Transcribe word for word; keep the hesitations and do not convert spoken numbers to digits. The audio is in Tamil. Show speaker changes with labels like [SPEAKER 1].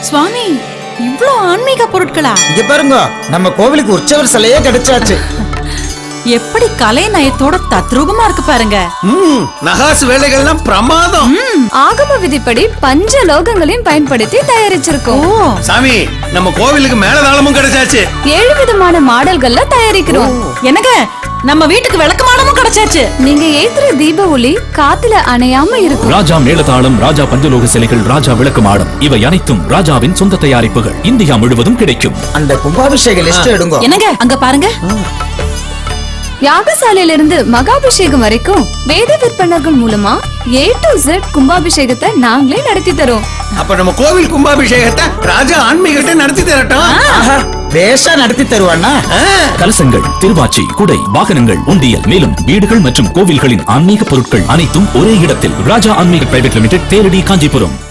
[SPEAKER 1] சுவாமி, இவ்ளோ ஆன்மீக பொருட்களா?
[SPEAKER 2] இங்க பாருங்க, நம்ம கோவிலுக்கு உற்சவர் சிலையே கிடைச்சாச்சு.
[SPEAKER 1] எப்படி கலை நயத்தோட தத்ரூபமா இருக்கு பாருங்க.
[SPEAKER 3] ம், நகாசு வேலைகள்லாம் பிரமாதம்.
[SPEAKER 4] ஆகம விதிப்படி பஞ்ச லோகங்களையும் பயன்படுத்தி தயாரிச்சிருக்கோம்.
[SPEAKER 3] சாமி, நம்ம கோவிலுக்கு மேலதாளமும் கிடைச்சாச்சு.
[SPEAKER 4] ஏழு விதமான மாடல்கள்ல தயாரிக்கிறோம்.
[SPEAKER 1] என்னங்க, நம்ம வீட்டுக்கு விளக்கமானமும் கிடைச்சாச்சு.
[SPEAKER 4] நீங்க ஏத்துற தீப ஒளி காத்துல அணையாம இருக்கும்.
[SPEAKER 5] ராஜா மேளதாளம், ராஜா பஞ்சலோக சிலைகள், ராஜா விளக்கு மாடம், இவை அனைத்தும் ராஜாவின் சொந்த தயாரிப்புகள். இந்தியா முழுவதும் கிடைக்கும்.
[SPEAKER 2] அந்த கும்பாபிஷேக லிஸ்ட் எடுங்க.
[SPEAKER 1] என்னங்க, அங்க பாருங்க.
[SPEAKER 4] யாகசாலையில இருந்து மகாபிஷேகம் வரைக்கும் வேத விற்பனர்கள் மூலமா ஏ டு Z கும்பாபிஷேகத்தை நாங்களே நடத்தி தரோம்.
[SPEAKER 3] அப்ப நம்ம கோவில் கும்பாபிஷேகத்தை ராஜா ஆன்மீகத்தை நடத்தி தரட்டும்.
[SPEAKER 2] பேஷா நடத்தி தருவானா?
[SPEAKER 5] கலசங்கள், திருவாச்சி, குடை, வாகனங்கள், உண்டியல், மேலும் வீடுகள் மற்றும் கோவில்களின் ஆன்மீக பொருட்கள் அனைத்தும் ஒரே இடத்தில். ராஜா ஆன்மீக பிரைவேட் லிமிடெட், தேரடி, காஞ்சிபுரம்.